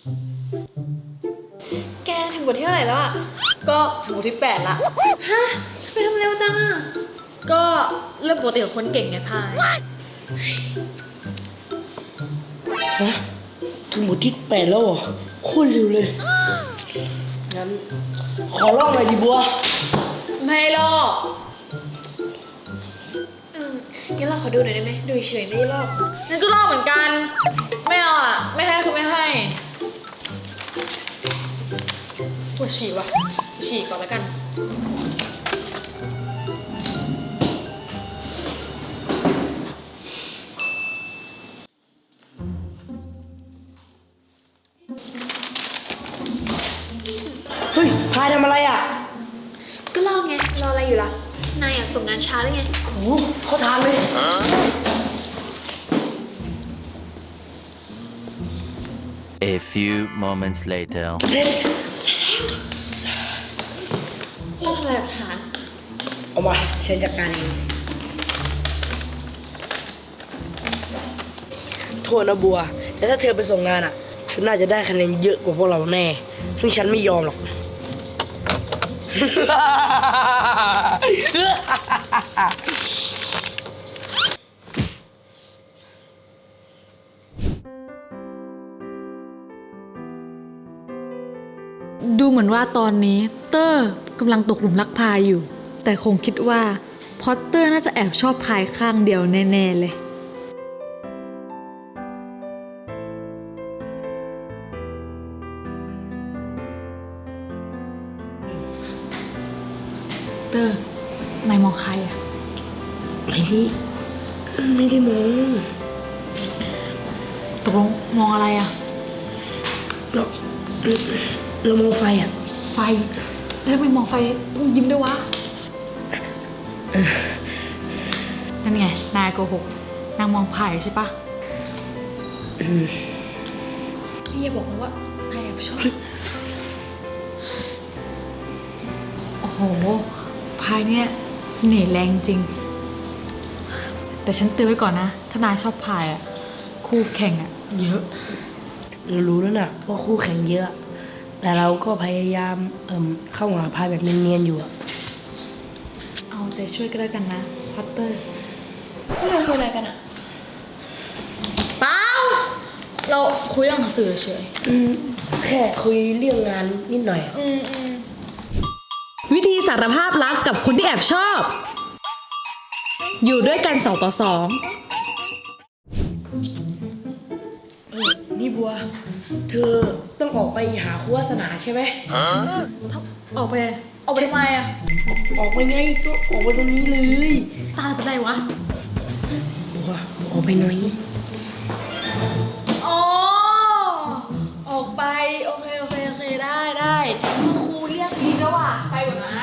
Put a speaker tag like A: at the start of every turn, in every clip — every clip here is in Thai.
A: แกถึงบทที่เท่าไหร่แล้วอ่ะ
B: ก็ถึงบทที่8ละ
A: ฮะทำไมทำเร็วจังอ่ะ
B: ก็เรื่องปกติของคนเก่งไงพาย
C: ฮะถึงบทที่8แล้วเหรอโคตรเร็วเลยงั้นขอลองหน่อยดิบัว
B: ไม่หรอก
A: งั้นเราขอดูหน่อยได้ไหมดูเฉยไม่ได้ลอก
B: นั่นก็ลอกเหมือนกันไม่เอาอ่ะไม่ให้คือไม่ให้ปวดฉี่ว่ะฉี่ก่อนแล้วกัน
C: เฮ้ยพายทำอะไรอ่ะ
A: ก็ลอกไงรออะไรอยู่ล่ะนายอยากส่งงานช้าหรือไง
C: โอ้โหเขาทานเลย
D: A few moments later.
C: เสร็จ
A: เราทำลายหลักฐาน
C: เอามาฉันจัดการเองโทษนะบัวแต่ถ้าเธอไปส่งงานอ่ะฉันน่าจะได้คะแนนเยอะกว่าพวกเราแน่ซึ่งฉันไม่ยอมหรอก
B: ดูเหมือนว่าตอนนี้เตอร์กำลังตกหลุมรักพายอยู่ แต่คงคิดว่าพอตเตอร์น่าจะแอบชอบพายข้างเดียวแน่ๆเลยเตอร์นายมองใครอะ
C: ไม่ได้มอง
B: ตกลงมองอะไรอะ
C: เรามองไฟอ่ะ
B: ไฟแล้วทำไมมองไฟต้องยิ้มด้วยวะนั่นไงนายโกหกนางมองพายใช่ปะพี่อย่าบอกนะว่านายแอบชอบโอ้โหพายเนี่ยเสน่ห์แรงจริง แต่ฉันเตือนไว้ก่อนนะ ถ้านายชอบพายอ่ะคู่แข่งอ่ะเยอะ
C: เรารู้แล้วนะว่าคู่แข่งเยอะ แต่เราก็พยายามเข้าหาพายแบบเนียนๆอยู่อะ
B: เอาใจช่วยก็แล้วกันนะพอตเตอร์
A: พวกเราคุยอะไรกันอ่ะ
B: เปล่าเราคุยเรื่องหนังสือเฉย
C: แค่คุยเรื่องงานนิดหน่อยอะ
B: วิธีสารภาพรักกับคนที่แอบชอบ อยู่ด้วยกัน2 ต่อ
C: นี่บัว เธอต้องออกไปหาครูวาสนาใช่ไหม
B: 2ออกไปทำไมอ่ะ
C: ออกไปไงก็ออกไปตรงนี้เลย
B: ตาเป็นไรวะ
C: บัวออกไปหน่อย
B: อ๋อ ออกไป โอเคได้ครูเรียกดีแล้วว่ะไปก่อนนะ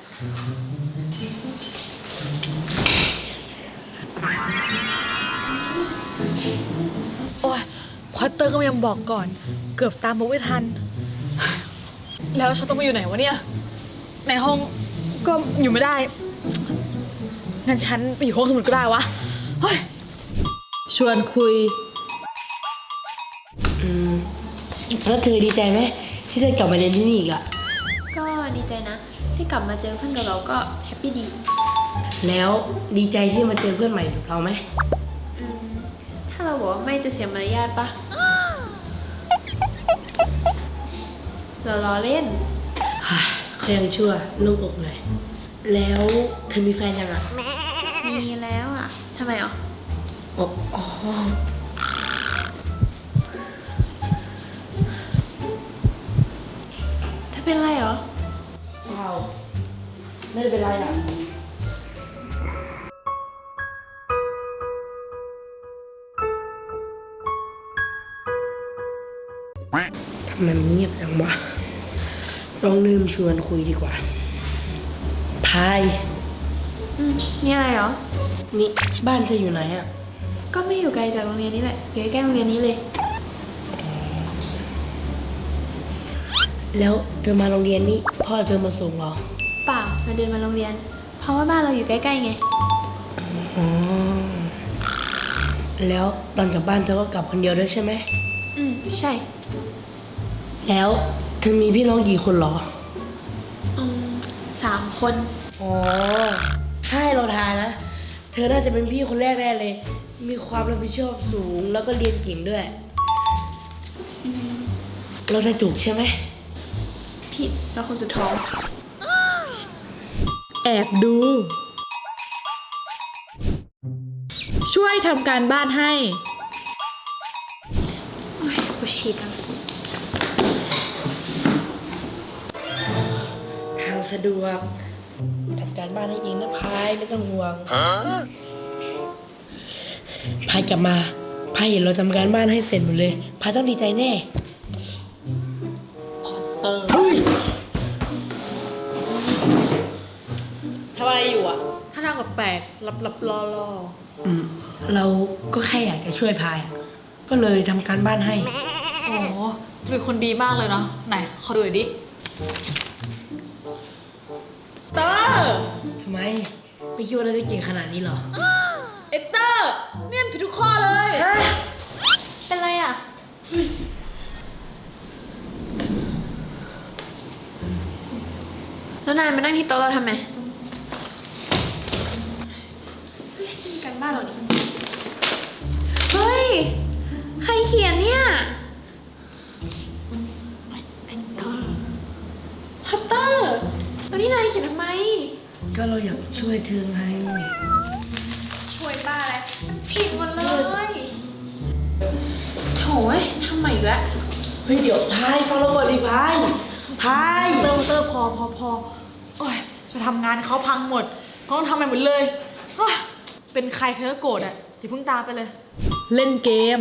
B: โอ้ยพอตเตอร์ก็ยังบอกก่อน เกือบตามมาไม่ทัน แล้วฉันต้องไปอยู่ไหนวะเนี่ย ในห้องก็อยู่ไม่ได้ งั้นฉันไปอยู่ห้องสมุดก็ได้วะ เฮ้ย ชวนคุย
C: แล้วเธอดีใจไหมที่ได้กลับมาเรียนที่นี่อีกอะ
A: ก็ดีใจนะ ที่กลับมาเจอเพื่อนกับเราก็แฮปปี้ดี
C: แล้วดีใจที่มาเจอเพื่อนใหม่แบบเราไหม
A: ถ้าเราบอกว่าไม่จะเสียมารยาทปะเราล้อเล่น
C: เขายังชั่วลูกอกเลยแล้วเธอมีแฟนยังอะ
A: มีแล้วอ่ะทำไมอ่ะ
C: อ๋อ
A: ถ้าเป็นไรเหรอ
C: เปล่าไม่ได้เป็นไรอะทำไมมันเงียบจังวะลองลืมชวนคุยดีกว่าพาย
A: นี่อะไรเหรอ
C: นี่บ้านเธออยู่ไหนอะ
A: ก็ไม่อยู่ไกลจากโรงเรียนนี้แหละ อยู่ใกล้ๆโรงเรียนนี้เลย
C: แล้วเธอมาโรงเรียนนี่พ่อเธอมาส่งเหรอ
A: เปล่าเราเดินมาโรงเรียน เพราะว่าบ้านเราอยู่ใกล้ๆไง
C: อ๋อแล้วตอนกลับบ้านเธอก็กลับคนเดียวด้วยใช่ไหม
A: ใช่
C: แล้วเธอมีพี่น้องกี่คนเหรอ
A: 3 คน
C: อ๋อ ถ้าให้เราทายนะ เธอน่าจะเป็นพี่คนแรกแน่เลย มีความรับผิดชอบสูงแล้วก็เรียนเก่งด้วย เราจะถูกใช่ไหม
A: ผิดแล้วคนสุดท้อง
B: แอบดู ช่วยทำการบ้านให้
A: โอ้ยกูฉีดอ่ะ
C: ทางสะดวกทำการบ้านให้เองนะพายไม่ต้องห่วงพายกลับมาพายเห็นเราทำการบ้านให้เสร็จหมดเลยพายต้องดีใจแน่เฮ้ย
B: ทำอะไรอยู่อ่ะ ถ้าทางแปลกๆลับๆรอ
C: เราก็แค่อยากจะช่วยพายอะก็เลยทำการบ้านให้
B: ๆอ๋อเป็นคนดีมากเลยเนาะ ไหน ขอดูหน่อยดิ เตอร์
C: ทำไม ไม่คิดว่าเราจะเก่งขนาดนี้เหรอ
B: เอเตอร์เนี่ยผิดทุกข้อเลย
A: เป็นไรอ่ะ แล้วนายมานั่งที่โต๊ะเราทำไมเฮ้ยนี่การบ้านเรานี่เฮ้ย ใครเขียนเนี่ยพัตเตอร์แล้วนี่นายเขียนทำไม
C: ก็เราอยากช่วยเธอไง
A: ช่วยบ้าอะไรมันผิดหมดเลยโถยทำไมอีกแล้ว
C: เฮ้ยเดี๋ยวพายฟังเราก่อนดิพายพาย
B: เตอร์พอโอ้ยจะทำงานเขาพังหมดเขาต้องทำไปหมดเลยโอ๊ยเป็นใครเธอก็โกรธอ่ะอย่าเพิ่งตามไปเลย เล่นเกม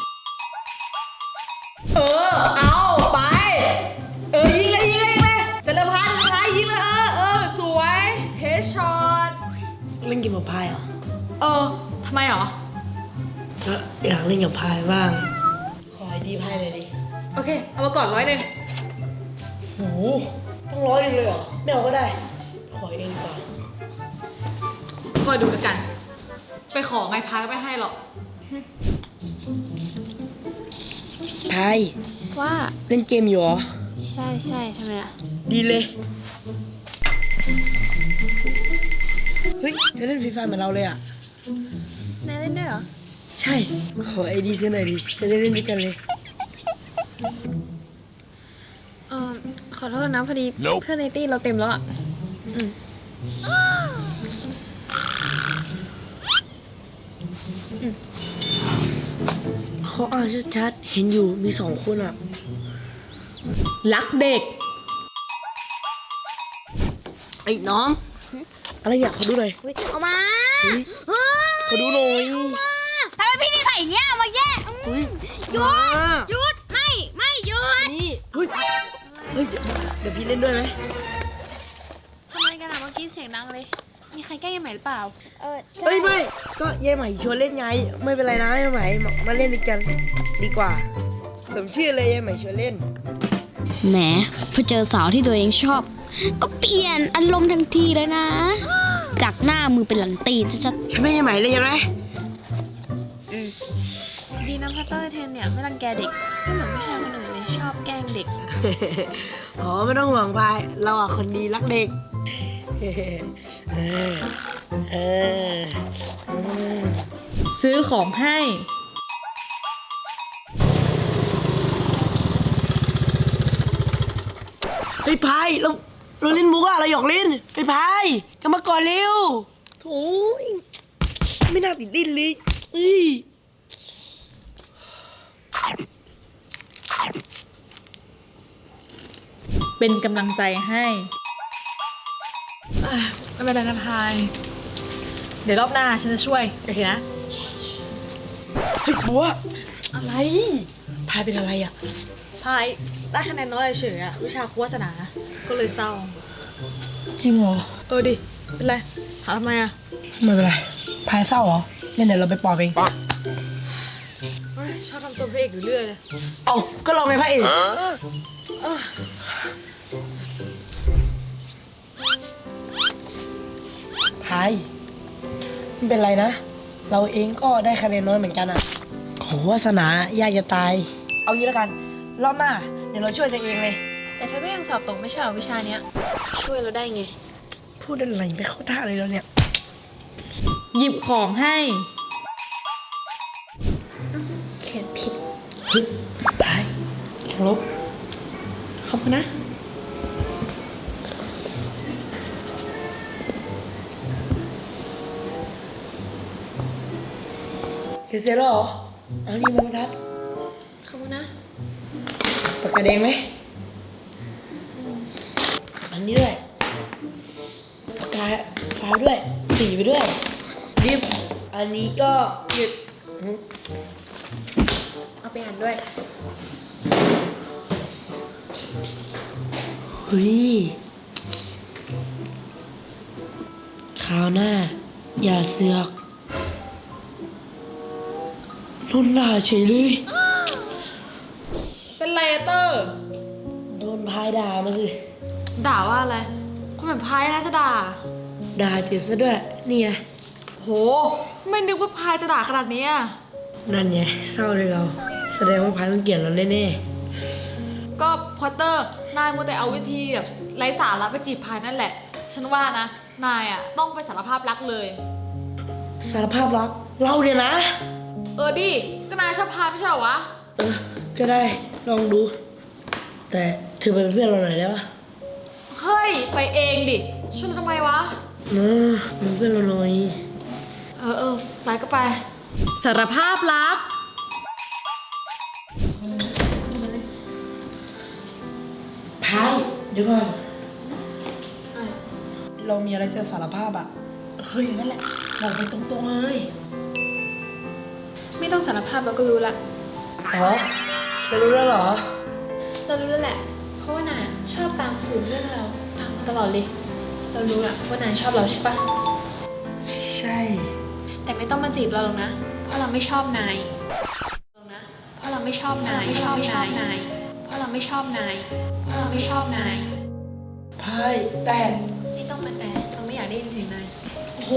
B: เอาไป ยิงเลยจะเริ่มพายยิงเลยสวยเฮดช็อต
C: เล่นเกมกับพายเหรอ
B: ทำไมหรอ
C: ก็อยากเล่นกับพายบ้าง ขอไอดีพายเลยดิ
B: โอเค เอามาก่อน100
C: โหต้อง100เลยเหรอ ไม่เอาก็ได้ ขอเองดีกว่า
B: คอยดูแล้วกัน ไปขอไงพายก็ไม่ให้หรอก
C: พาย
A: ว่า
C: เล่นเกมอยู่เหรอ
A: ใช่ทำไมอ่ะ
C: ดีเลย เฮ้ยเธอเล่นฟรีไฟเหมือนเราเลยอ่ะ
A: นายเล่นด้วยเหรอ
C: ใช่ ขอไอดีเธอหน่อยดิ จะได้เล่นด้วยกันเลย
A: ขอโทษนะพอดีเพื่อนในตี้เราเต็มแล้วอ่ะ
C: เขาอ่านชัดๆ เห็นอยู่มี2 คนอ่ะ
B: รักเด็ก
C: ไอ้น้อง อะไรเนี่ยขอดูหน่อย
A: เอามา
C: ขอดูหน่อย
A: ทำไมพี่นิสัยอย่างเงี้ยมาแย่
C: อุ้ย
A: หยุดหยุดไม่หยุด
C: นี่เฮ้ยเดี๋ยวพี่เล่นด้วยไหม
A: ทำไมกันอ่ะเมื่อกี้เสียงดังเลย มีใครแกล้งยังไหมหรือเปล่า
C: เอ้ยไม่ก็ยายใหม่ชวนเล่นไง ไม่เป็นไรนะยายใหม่มาเล่นด้วยกันดีกว่า สมชื่อเลยยายใหม่ชวนเล่น
E: แหมพอเจอสาวที่ตัวเองชอบ ก็เปลี่ยนอารมณ์ทันทีเลยนะ จากหน้ามือเป็นหลังตีนชัด
C: ใช่ไหมยายใหม่เลยยังไง
A: ดีนะพัตเตอร์เทนเนี่ยไม่รังแกเด็กไม่เหมือนผู้ชายคนอื่นเลยชอบแกล้งเด็ก
C: อ๋อไม่ต้องห่วงพายเราอ่ะคนดีรักเด็ก
B: ซื้อของให้
C: เฮ้ยพายเราเล่นมุกอะเราหยอกเล่นเฮ้ยพายกลับมาก่อนเร็วโถยไม่น่าติดดิ้นเลยอุ้ย
B: เป็นกำลังใจให้ไม่เป็นไรนะพาย เดี๋ยวรอบหน้าฉันจะช่วย โอเคนะ
C: เฮ้ยบัวอะไรพายเป็นอะไรอ่ะ
B: พายได้คะแนนน้อยเฉยอะวิชาครูวาสนา ก็เลยเศร้า
C: จริงเหรอ
B: ดิ เป็นไรถามทำไมอะ
C: ไม่เป็นไรพายเศร้าเหรอเดี๋ยวเราไปปลอบเอง
B: เฮ้ยชอบทำตัวพระเอกอยู่เรื่อยเลย
C: เอาก็เราไงพระเอกพายไม่เป็นไรนะ เราเองก็ได้คะแนนน้อยเหมือนกันอ่ะโหวาสนายากจะตาย เอางี้แล้วกันรอบหน้าเดี๋ยวเราช่วยตัวเองเลย
A: แต่เธอก็ยังสอบตกไม่ใช่เหรอวิชาเนี้ย ช่วยเราได้ไง
C: พูดอะไรไม่เข้าท่าเลยเราเนี่ย
B: หยิบของให้
A: เขียนผิด
C: ฮึบตายแข่งลบ
A: ขอบคุณนะ
C: เสร็จแล้วเหรอเอานี่มาบรรทัด
A: ขอบคุณนะ
C: ปากกาแดงไหมอันนี้ด้วยปากกาฟ้าด้วยสีไปด้วยรีบอันนี้ก็หยุด
A: เอาไปอ่านด้วย
C: เฮ้ยคราวหน้า อย่าเสือกนุ่นหน้าเฉยเลย
B: เป็นไรอะเตอร์
C: โดนพายด่ามาสิ
B: ด่าว่าอะไรคนแบบพายนะจะด่า
C: ด่าเจ็บซะด้วยนี่ไง
B: โห ไม่นึกว่าพายจะด่าขนาดนี้อะ
C: นั่นไงเศร้าเลยเรา แสดงว่าพายต้องเกลียดเราแน่
B: ก็พอตเตอร์ นายมัวแต่เอาวิธีแบบไร้สาระไปจีบพายนั่นแหละ ฉันว่านะ นายอะต้องไปสารภาพรักเลย
C: ๆสารภาพรักเราเนี่ยนะ
B: ดิ ก็นายชอบพายไม่ใช่เหรอวะ
C: ก็ได้ลองดู แต่เธอไปเป็นเพื่อนเราหน่อยได้ปะ
B: เฮ้ย ไปเองดิชวนทำไมวะ
C: เป็นเพื่อนเราหน่อย
B: ไปก็ไป สารภาพรัก
C: พายเดี๋ยวก่อนเรามีอะไรจะสารภาพอ่ะเฮ้ยอย่างนั้นแหละบอกไปตรงๆเลย
A: ไม่ต้องสารภาพเราก็รู้ละ
C: อ๋อจะรู้แล้วเหรอ
A: เรารู้แล้วแหละ เพราะว่านายชอบตามสืบเรื่องเราตามมาตลอดเลย เรารู้ละว่านายชอบเราใช่ปะ
C: ใช่
A: แต่ไม่ต้องมาจีบเราหรอกนะ เพราะเราไม่ชอบนายนะ เพราะเราไม่ชอบนายไม่ชอบนายเพราะเราไม่ชอบนายเพราะเราไม่ชอบนาย
C: พายแต่
A: ไม่ต้องมาแต่เราไม่อยากได้ยินเสียงนาย
B: โห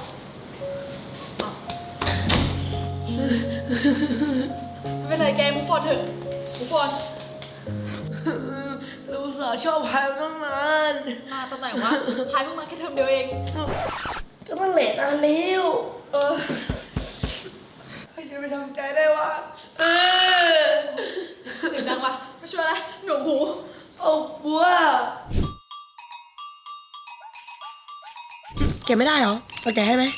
B: ไม่เป็นไรแกมุกฟอนเถอะมุกฟอน
C: เราอุตส่าห์ชอบพายมาตั้งนาน
B: มาตอนไหนวะ พายเพิ่งมาแค่เทอมเดียวเอง
C: ก็นั่นแหละนานแล้ว
B: อ
C: ใครจะไปทำใจได้วะ
B: เสียงดังปะไม่ช่วยอะไรหนวกหู
C: เอาบัวแกไม่ได้เหรอเอาแกให้ไหม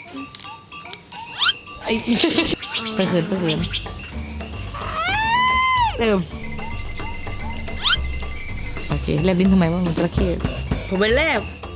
C: ไอ้ไปเขินเริ่ม
F: โอเคแลบลิ้นทำไมวะมันจระเข้
C: ผมไปแลบ